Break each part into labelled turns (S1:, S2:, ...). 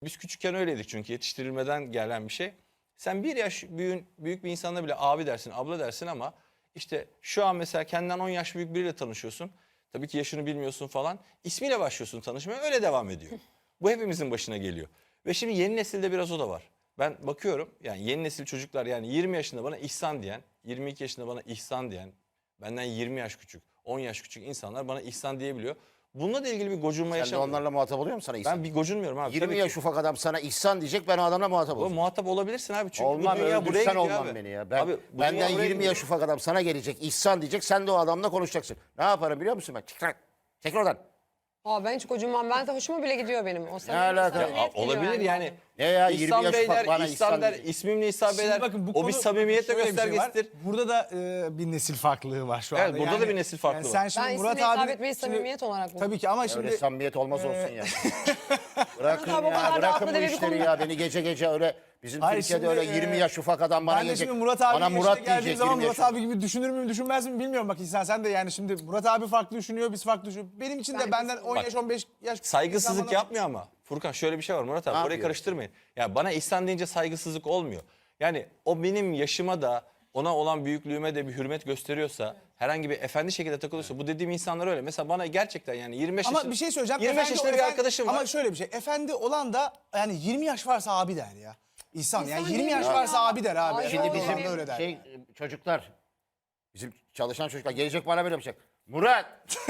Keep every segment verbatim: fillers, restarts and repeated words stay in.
S1: Biz küçükken öyleydik çünkü yetiştirilmeden gelen bir şey. Sen bir yaş büyük, büyük bir insanla bile abi dersin, abla dersin ama işte şu an mesela kendinden on yaş büyük biriyle tanışıyorsun. Tabii ki yaşını bilmiyorsun falan. İsmiyle başlıyorsun tanışmaya, öyle devam ediyor. Bu hepimizin başına geliyor. Ve şimdi yeni nesilde biraz o da var. Ben bakıyorum yani yeni nesil çocuklar, yani yirmi yaşında bana İhsan diyen, yirmi iki yaşında bana İhsan diyen, benden yirmi yaş küçük, on yaş küçük insanlar bana İhsan diyebiliyor. Bununla da ilgili bir gocunma
S2: Sen de
S1: yaşamıyorum.
S2: onlarla muhatap oluyor musun sana İhsan?
S1: Ben bir gocunmuyorum abi.
S2: yirmi
S1: Tabii
S2: yaş
S1: ki.
S2: ufak adam sana İhsan diyecek, ben o adamla muhatap
S1: O
S2: olacağım.
S1: muhatap olabilirsin abi. Çünkü
S2: Olmam,
S1: bu dünya buraya
S2: öldürsen
S1: gidiyor
S2: olmam
S1: abi.
S2: beni ya. Ben,
S1: Abi, bu dünya
S2: benden
S1: buraya
S2: yirmi
S1: gidiyor.
S2: yaş ufak adam sana gelecek, İhsan diyecek, sen de o adamla konuşacaksın. Ne yaparım biliyor musun ben? Çık lan, çek oradan.
S3: Aa, ben hiç kocunmam. Ben de hoşuma bile gidiyor benim. O
S2: Ne alaka?
S3: samimiyet
S1: Ya,
S3: geliyor
S1: olabilir yani.
S2: Ne ya, yirmi
S1: İhsan
S2: yaş
S1: Beyler,
S2: ufak bana
S1: İhsan
S2: İhsan
S1: der,
S2: diyecek.
S1: ismimle İhsan
S4: Şimdi
S1: Beyler.
S4: bakın bu
S1: O bir
S4: konu-
S1: samimiyetle
S4: şöyle bir şey var.
S1: göstergesidir.
S4: Burada da e, bir nesil farklılığı var şu
S1: Evet,
S4: anda.
S1: burada da bir nesil farklılığı
S4: Sen
S1: var.
S4: şimdi
S3: Ben
S4: Murat
S3: ismine hitap
S4: abi
S3: etmeyi
S4: şimdi-
S3: samimiyet olarak buldum.
S4: Tabii ki ama
S2: Öyle
S4: şimdi
S2: samimiyet olmaz olsun ya. Bırakın
S3: Murat abi o kadar
S2: ya,
S3: da
S2: bırakın
S3: haklı
S2: bu
S3: deme bir
S2: işleri
S3: konu.
S2: ya. Beni gece gece öyle, bizim
S4: Hayır,
S2: Türkiye'de
S4: şimdi,
S2: öyle yirmi
S4: e,
S2: yaş ufak adam bana
S4: ben de
S2: gelecek.
S4: şimdi Murat abi
S2: bana
S4: yaşına
S2: Murat
S4: geldiğim
S2: diyecek,
S4: zaman
S2: yirmi yaş.
S4: Murat abi gibi düşünür müyüm düşünmez miyim bilmiyorum. Bak İhsan sen de yani şimdi Murat abi farklı düşünüyor, biz farklı düşünüyoruz. Benim için de
S3: Ben
S4: benden
S3: kesin-
S4: on yaş on beş yaş
S1: Saygısızlık
S4: insan bana-
S1: yapmıyor ama. Furkan şöyle bir şey var Murat abi,
S2: Ne
S1: orayı
S2: yapıyor?
S1: karıştırmayın. Ya bana İhsan deyince saygısızlık olmuyor. Yani o benim yaşıma da ona olan büyüklüğüme de bir hürmet gösteriyorsa, herhangi bir efendi şekilde takılıyorsa, bu dediğim insanlar öyle. Mesela bana gerçekten yani yirmi beş
S4: Ama
S1: yaşında,
S4: bir şey söyleyeceğim.
S1: yirmi beş
S4: Efendi-
S1: yaşında bir
S4: efendi-
S1: arkadaşım var.
S4: Ama şöyle bir şey. Efendi olan da yani yirmi yaş varsa abi der ya. İhsan yani
S3: İhsan
S4: yirmi
S3: değil
S4: yaş
S3: ya.
S4: varsa abi der abi.
S3: Ay,
S2: Şimdi
S3: Doğru.
S2: bizim
S4: Efendi öyle der.
S2: şey çocuklar, bizim çalışan çocuklar gelecek bana böyle yapacak. Murat,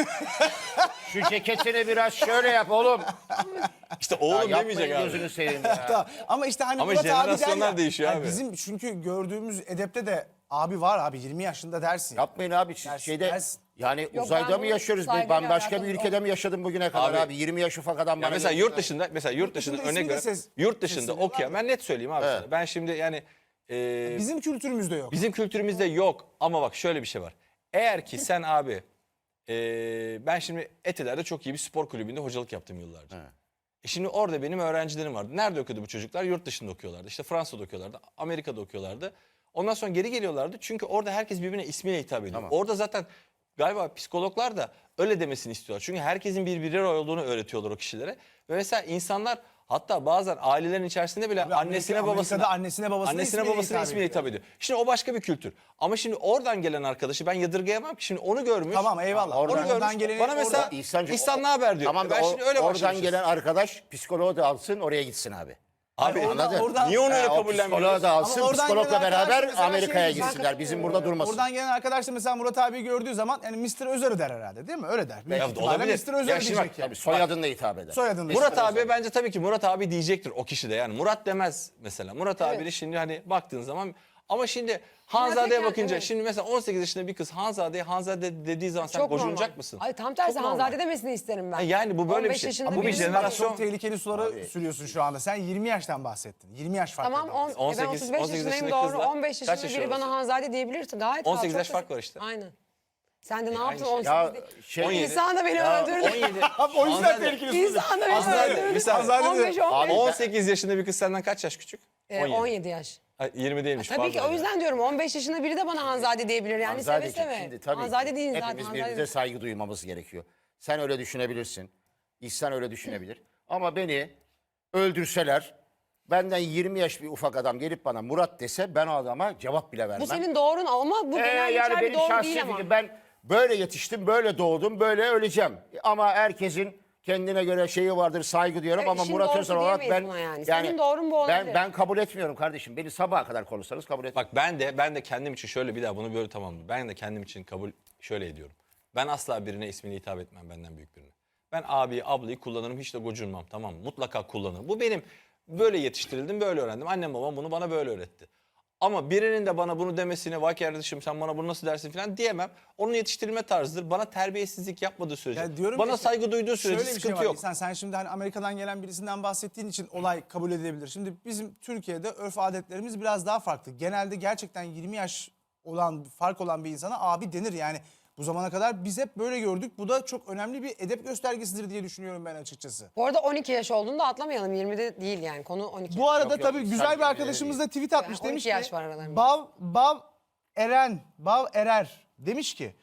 S2: şu ceketini biraz şöyle yap oğlum.
S1: İşte
S2: Ya
S1: oğlum
S2: yapmayın
S1: demeyecek abi.
S2: gözünü seveyim ya.
S4: Tamam. Ama işte hani
S1: Ama
S4: Murat abi der
S1: jenerasyonlar
S4: ya.
S1: değişiyor
S4: Yani
S1: abi.
S4: Bizim çünkü gördüğümüz edepte de abi var abi yirmi yaşında dersin.
S2: Yapmayın abi, siz
S4: Dersin,
S2: şeyde
S4: dersin.
S2: yani
S3: ben
S2: uzayda mı
S3: bunu
S2: yaşıyoruz? Bir,
S3: saygıyla
S2: ben başka bir
S3: alakalı
S2: ülkede mi yaşadım bugüne kadar abi?
S1: Abi,
S2: yirmi yaş ufak adam
S1: Ya
S2: bana
S1: mesela
S2: gelecek.
S1: yurt dışında, mesela yurt dışında
S4: dışında
S1: örnek
S4: ismi de
S1: ver.
S4: ses-
S1: Yurt dışında
S4: sesleri var
S1: okuyan,
S4: mı?
S1: ben net söyleyeyim abi
S2: Evet.
S1: sana. Ben şimdi yani e,
S4: Bizim kültürümüzde yok.
S1: bizim kültürümüzde yok ama bak şöyle bir şey var. Eğer ki sen abi, e, ben şimdi Etiler'de çok iyi bir spor kulübünde hocalık yaptım yıllarca.
S2: Evet.
S1: E şimdi orada benim öğrencilerim vardı. Nerede okudu bu çocuklar? Yurt dışında okuyorlardı. İşte Fransa'da okuyorlardı, Amerika'da okuyorlardı. Ondan sonra geri geliyorlardı. Çünkü orada herkes birbirine ismiyle hitap ediyor.
S2: Tamam.
S1: Orada zaten galiba psikologlar da öyle demesini istiyorlar. Çünkü herkesin bir birey olduğunu öğretiyorlar o kişilere. Ve mesela insanlar, hatta bazen ailelerin içerisinde bile
S4: Abi
S1: annesine
S4: Amerika-
S1: babasına
S4: Amerika'da annesine babasına
S1: annesine
S4: ismiyle
S1: babasına
S4: hitap
S1: ismiyle
S4: ediyor.
S1: hitap ediyor. Şimdi o başka bir kültür. Ama şimdi oradan gelen arkadaşı ben yadırgayamam ki. Şimdi onu görmüş.
S4: Tamam, eyvallah.
S1: Onu
S4: Oradan-
S1: görmüş.
S4: oradan geleni-
S1: Bana mesela
S4: orada-
S2: İhsancığım,
S1: İhsan ne haber diyor.
S2: Tamam da
S1: ben
S2: o-
S1: şimdi öyle
S2: oradan
S1: başlamışız.
S2: gelen arkadaş psikoloğu da alsın, oraya gitsin abi.
S1: Abi
S4: Oradan-
S2: Anladın?
S4: oradan-
S1: niye onu öyle
S2: Ha, o
S1: kabullenmiyoruz?
S2: psikoloğu da alsın,
S4: Ama oradan
S2: psikologla
S4: gelen arkadaş
S2: beraber
S4: mesela
S2: Amerika'ya
S4: şey-
S2: gitsinler. Bizim burada durmasın.
S4: Oradan gelen arkadaş da mesela Murat abi gördüğü zaman yani mister Özer'i der herhalde değil mi? Öyle der. Büyük
S1: Ya
S4: ihtimalle
S1: olabilir.
S4: mister Özer
S1: Ya şimdi bak,
S4: diyecek yani.
S2: Tabii soyadınla hitap eder.
S4: Soyadını
S1: Murat abi bence tabii ki Murat abi diyecektir o kişi de. Yani Murat demez mesela. Murat
S3: Evet.
S1: abi şimdi hani baktığın zaman, ama şimdi Hanzade'ye
S3: Murat
S1: bakınca,
S3: evet.
S1: şimdi mesela on sekiz yaşında bir kız Hanzade'ye Hanzade dediği zaman sen
S3: Çok
S1: gocunacak
S3: normal.
S1: mısın?
S3: Ay tam tersi
S1: Çok normal.
S3: Hanzade demesini isterim ben.
S1: Ha, yani bu böyle bir
S3: on beş
S1: şey.
S3: yaşında
S1: Ha, bu bir
S3: birisi-
S1: jenerasyon.
S4: Çok tehlikeli sulara
S2: Abi.
S4: sürüyorsun şu anda. Sen yirmi yaştan bahsettin. yirmi yaş fark
S3: Tamam
S4: var.
S3: on,
S1: on sekiz,
S3: ben otuz beş
S1: on sekiz
S3: yaşındayım
S1: yaşındaki
S3: doğru.
S1: kızla
S3: on beş
S1: kaç
S3: yaşında
S1: yaş
S3: biri bana
S1: arası?
S3: Hanzade diyebilirsin. Gayet
S1: on
S3: rahat,
S1: sekiz
S3: çok
S1: yaş fark
S3: basit.
S1: var işte.
S3: Aynen. Sen de ne
S1: aynı
S3: yaptın
S1: şey.
S3: on sekiz
S2: Ya
S3: değil.
S2: şey,
S1: on yedi.
S3: İnsan da beni
S2: Ya,
S3: öldürdü.
S1: on yedi.
S4: Abi o yüzden
S1: Hanzade-
S4: tehlikeli
S3: İnsan da beni
S1: Hanzade-
S3: öldürdü.
S1: bir saniye.
S4: Hanzade de-
S3: on beş on beş.
S2: Abi-
S1: on sekiz yaşında bir kız senden kaç yaş küçük?
S3: Ee, on yedi yaş.
S1: Ay, yirmi değilmiş.
S3: Tabii
S1: pardon
S3: ki o
S1: ya.
S3: yüzden diyorum on beş yaşında biri de bana Hanzade diyebilir yani
S2: Hanzadeciğim,
S3: seve seve.
S2: şimdi tabii
S3: Hanzade
S2: ki
S3: değil zaten.
S2: hepimiz
S3: Hanzade
S2: birbirimize
S3: değil.
S2: saygı duymamız gerekiyor. Sen öyle düşünebilirsin. İhsan öyle düşünebilir. Ama beni öldürseler, benden yirmi yaş bir ufak adam gelip bana Murat dese, ben o adama cevap bile vermem.
S3: Bu senin doğrun ama bu
S2: Ee,
S3: genel
S2: yani
S3: geçer bir
S2: benim
S3: doğru
S2: şahsi
S3: değil ama.
S2: fikrim. Ben böyle yetiştim, böyle doğdum, böyle öleceğim. Ama herkesin kendine göre şeyi vardır, saygı diyorum,
S3: Evet,
S2: ama
S3: işin
S2: Murat
S3: doğrusu
S2: Özer olarak ben
S3: diyemeyiz buna yani. Senin doğrun bu
S2: ben
S3: olabilir.
S2: ben kabul etmiyorum kardeşim. Beni sabaha kadar konuşsanız kabul etmiyorum.
S1: Bak ben de ben de kendim için şöyle, bir daha bunu böyle tamamladım. Ben de kendim için kabul şöyle ediyorum. Ben asla birine ismini hitap etmem, benden büyük birine. Ben abi, ablayı kullanırım, hiç de gocunmam, tamam mı? Mutlaka kullanırım. Bu benim, böyle yetiştirildim, böyle öğrendim. Annem babam bunu bana böyle öğretti. Ama birinin de bana bunu demesine, vay kardeşim sen bana bunu nasıl dersin falan diyemem. Onun yetiştirilme tarzıdır. Bana terbiyesizlik yapmadığı sürece,
S4: Ya diyorum
S1: bana
S4: ki,
S1: saygı duyduğu sürece
S4: şöyle bir
S1: sıkıntı
S4: şey var.
S1: yok.
S4: Sen, sen şimdi hani Amerika'dan gelen birisinden bahsettiğin için olay kabul edilebilir. Şimdi bizim Türkiye'de örf adetlerimiz biraz daha farklı. Genelde gerçekten yirmi yaş olan, fark olan bir insana abi denir yani. Bu zamana kadar biz hep böyle gördük. Bu da çok önemli bir edep göstergesidir diye düşünüyorum ben açıkçası.
S3: Bu arada on iki yaş olduğunu da atlamayalım. yirmide değil yani. Konu on iki.
S4: Bu arada
S2: yok,
S4: tabii
S2: sen
S4: güzel bir
S2: yirmi
S4: arkadaşımız da tweet atmış,
S3: on iki
S4: demiş ki
S3: yaş var aralarında.
S4: Bav, Bav Eren, Bav Erer demiş ki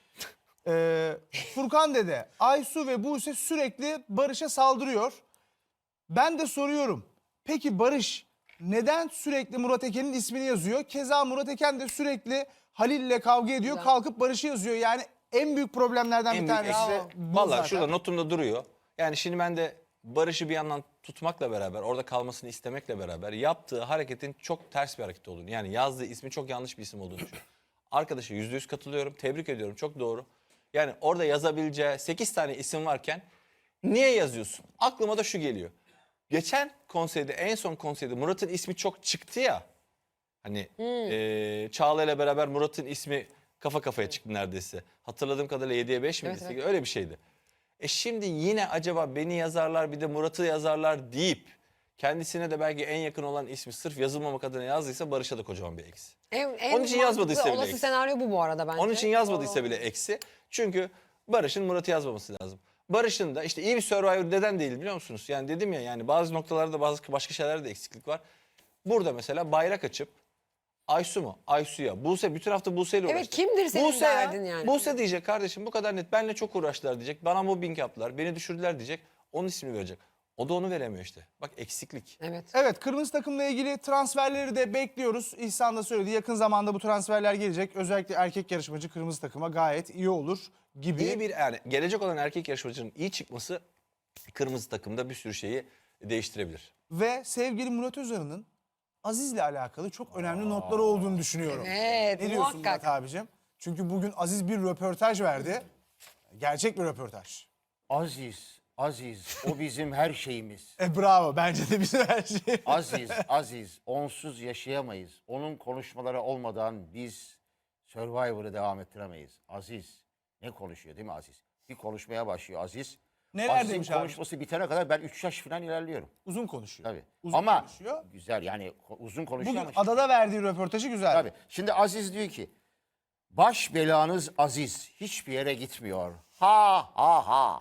S4: e, Furkan dede, Aysu ve Buse sürekli Barış'a saldırıyor. Ben de soruyorum. Peki Barış neden sürekli Murat Eken'in ismini yazıyor? Keza Murat Eken de sürekli Halil'le kavga ediyor.
S3: Güzel.
S4: Kalkıp Barış'ı yazıyor. Yani en büyük problemlerden
S1: En
S4: bir
S1: büyük
S4: tanesi
S1: eksi
S4: bu
S1: valla
S4: zaten.
S1: şurada notumda duruyor. Yani şimdi ben de Barış'ı bir yandan tutmakla beraber, orada kalmasını istemekle beraber yaptığı hareketin çok ters bir hareket olduğunu, yani yazdığı ismi çok yanlış bir isim olduğunu düşünüyorum. Arkadaşa yüzde yüz katılıyorum, tebrik ediyorum, çok doğru. Yani orada yazabileceği sekiz tane isim varken niye yazıyorsun? Aklıma da şu geliyor. Geçen konseyde, en son konseyde Murat'ın ismi çok çıktı ya. Hani eee Çağla ile beraber Murat'ın ismi kafa kafaya çıktı neredeyse. Hatırladığım kadarıyla yediye beş miydi?
S3: Evet, evet.
S1: Öyle bir şeydi. E şimdi yine acaba beni yazarlar bir de Murat'ı yazarlar deyip kendisine de belki en yakın olan ismi sırf yazılmamak adına yazdıysa Barış'a da kocaman bir eksi.
S3: En, en
S1: Onun için yazmadıysa
S3: mantıklı
S1: bile
S3: olası
S1: eksi.
S3: senaryo bu bu arada bence.
S1: Onun için yazmadıysa
S3: Doğru.
S1: bile eksi. Çünkü Barış'ın Murat'ı yazmaması lazım. Barış'ın da işte iyi bir Survivor neden değil biliyor musunuz? Yani dedim ya, yani bazı noktalarda bazı başka şeylerde eksiklik var. Burada mesela bayrak açıp Aysu mu? Aysu'ya. Buse bütün hafta Buse ile
S3: Evet,
S1: uğraştı.
S3: kimdir senin
S1: Buse ya,
S3: derdin yani?
S1: Buse diyecek kardeşim, bu kadar net. Benle çok uğraştılar diyecek. Bana mobbing yaptılar. Beni düşürdüler diyecek. Onun ismini verecek. O da onu veremiyor işte. Bak eksiklik.
S3: Evet.
S4: Evet, kırmızı takımla ilgili transferleri de bekliyoruz. İhsan da söyledi, yakın zamanda bu transferler gelecek. Özellikle erkek yarışmacı kırmızı takıma gayet iyi olur gibi.
S1: İyi bir, yani gelecek olan erkek yarışmacının iyi çıkması kırmızı takımda bir sürü şeyi değiştirebilir.
S4: Ve sevgili Murat Özarı'nın Aziz'le alakalı çok önemli notları olduğunu düşünüyorum.
S3: Evet,
S4: Ne diyorsun
S3: muhakkak.
S4: Murat abicim? Çünkü bugün Aziz bir röportaj verdi. Gerçek bir röportaj.
S2: Aziz, Aziz o bizim her şeyimiz.
S4: E bravo, bence de bizim her şey.
S2: Aziz, Aziz onsuz yaşayamayız. Onun konuşmaları olmadan biz Survivor'ı devam ettiremeyiz. Aziz ne konuşuyor değil mi Aziz? Bir konuşmaya başlıyor Aziz.
S4: Neler
S2: Aziz'in
S4: demiş abi?
S2: konuşması bitene kadar ben üç yaş falan ilerliyorum.
S4: Uzun konuşuyor.
S2: Tabii.
S4: Uzun
S2: ama
S4: konuşuyor.
S2: güzel yani ko- uzun konuşuyor
S4: Bugün
S2: ama işte-
S4: adada verdiği röportajı güzel.
S2: Tabii. Şimdi Aziz diyor ki baş belanız Aziz hiçbir yere gitmiyor. Ha ha ha.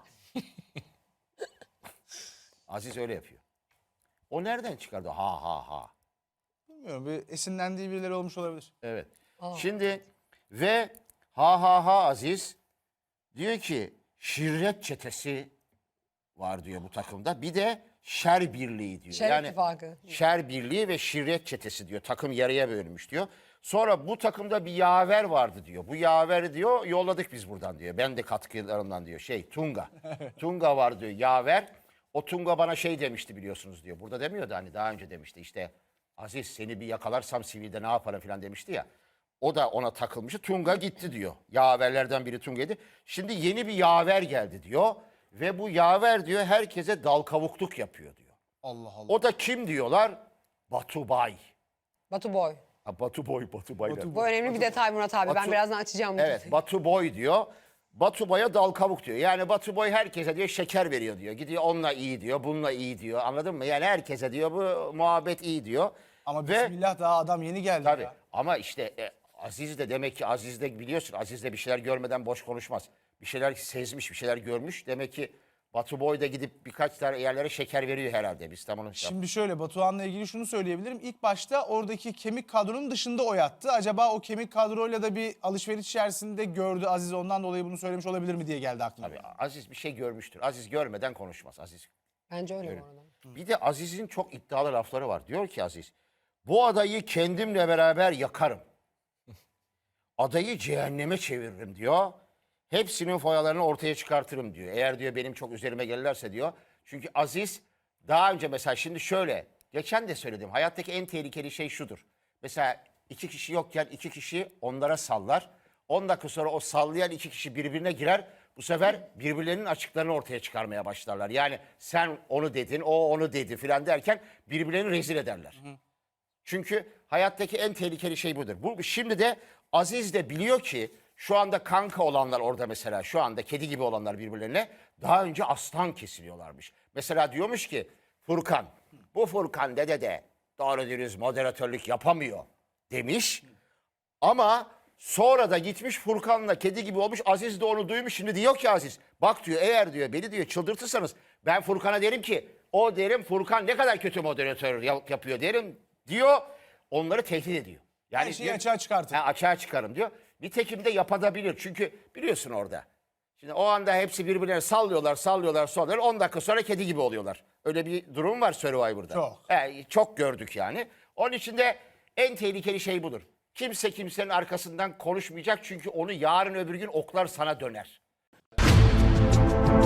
S2: Aziz öyle yapıyor. O nereden çıkardı ha ha ha?
S4: Bilmiyorum, bir esinlendiği birileri olmuş olabilir.
S2: Evet. Şimdi ve ha ha ha Aziz diyor ki şirret çetesi var diyor bu takımda. Bir de şer birliği diyor.
S3: Şer
S2: yani
S3: ittifakı.
S2: şer birliği ve şirret çetesi diyor. Takım yarıya bölünmüş diyor. Sonra bu takımda bir yaver vardı diyor. Bu yaveri diyor yolladık biz buradan diyor. Ben de katkılarımdan diyor. Şey Tunga. Tunga var diyor yaver. O Tunga bana şey demişti biliyorsunuz diyor. Burada demiyordu hani daha önce demişti işte. Aziz seni bir yakalarsam sivilde ne yaparım falan demişti ya. O da ona takılmıştı. Tunga gitti diyor. Yaverlerden biri Tunga'ydı. Şimdi yeni bir yaver geldi diyor. Ve bu yaver diyor herkese dal kavukluk yapıyor diyor.
S4: Allah Allah.
S2: O da kim diyorlar? Batu Bay.
S3: Batu Boy.
S2: Ha, Batu Boy, Batu Bay.
S4: Batu
S3: Bu önemli bir detay Murat abi. ben
S2: Batu-
S3: birazdan açacağım bu
S2: Evet
S3: detayı.
S2: Batu Boy diyor. Batu Boy'a dal kavuk diyor. Yani Batu Boy herkese diyor şeker veriyor diyor. Gidiyor onunla iyi diyor, bununla iyi diyor. Anladın mı? Yani herkese diyor bu muhabbet iyi diyor.
S4: Ama
S2: Ve
S4: bismillah daha adam yeni geldi
S2: tabii
S4: ya.
S2: ama işte e, Aziz de demek ki Aziz de biliyorsun Aziz de bir şeyler görmeden boş konuşmaz. Bir şeyler sezmiş, bir şeyler görmüş. Demek ki Batu Boy da gidip birkaç tane yerlere şeker veriyor herhalde. Biz tam onu
S4: Şimdi şöyle, Batuhan'la ilgili şunu söyleyebilirim. İlk başta oradaki kemik kadronun dışında o yattı. Acaba o kemik kadroyla da bir alışveriş içerisinde gördü Aziz, ondan dolayı bunu söylemiş olabilir mi diye geldi aklıma.
S2: Tabii Aziz bir şey görmüştür. Aziz görmeden konuşmaz. Aziz.
S3: Bence öyle bu arada.
S2: Bir de Aziz'in çok iddialı lafları var. Diyor ki Aziz, bu adayı kendimle beraber yakarım. Adayı cehenneme çeviririm diyor. Hepsinin foyalarını ortaya çıkartırım diyor. Eğer diyor benim çok üzerime gelirlerse diyor. Çünkü Aziz daha önce mesela şimdi şöyle, geçen de söyledim. Hayattaki en tehlikeli şey şudur. Mesela iki kişi yokken iki kişi onlara sallar. on dakika sonra o sallayan iki kişi birbirine girer. Bu sefer birbirlerinin açıklarını ortaya çıkarmaya başlarlar. Yani sen onu dedin, o onu dedi filan derken birbirlerini rezil ederler. Çünkü hayattaki en tehlikeli şey budur. Bu, şimdi de Aziz de biliyor ki şu anda kanka olanlar orada mesela şu anda kedi gibi olanlar birbirlerine daha önce aslan kesiliyorlarmış. Mesela diyormuş ki Furkan, bu Furkan dede de doğru dürüst moderatörlük yapamıyor demiş. Ama sonra da gitmiş Furkan'la kedi gibi olmuş. Aziz de onu duymuş. Şimdi diyor ki Aziz bak diyor eğer diyor beni diyor çıldırtırsanız ben Furkan'a derim ki o derim Furkan ne kadar kötü moderatör yap- yapıyor derim diyor. Onları tehdit ediyor. Yani
S4: Her şeyi
S2: diyor-
S4: açığa çıkartın.
S2: Ha, açığa çıkarım diyor. Nitekim de yapabilir. Çünkü biliyorsun orada. Şimdi o anda hepsi birbirlerine sallıyorlar, sallıyorlar, sallıyorlar. on dakika sonra kedi gibi oluyorlar. Öyle bir durum var Survivor'da.
S4: Çok.
S2: He, çok gördük yani. Onun için de en tehlikeli şey budur. Kimse kimsenin arkasından konuşmayacak çünkü onu yarın öbür gün oklar sana döner.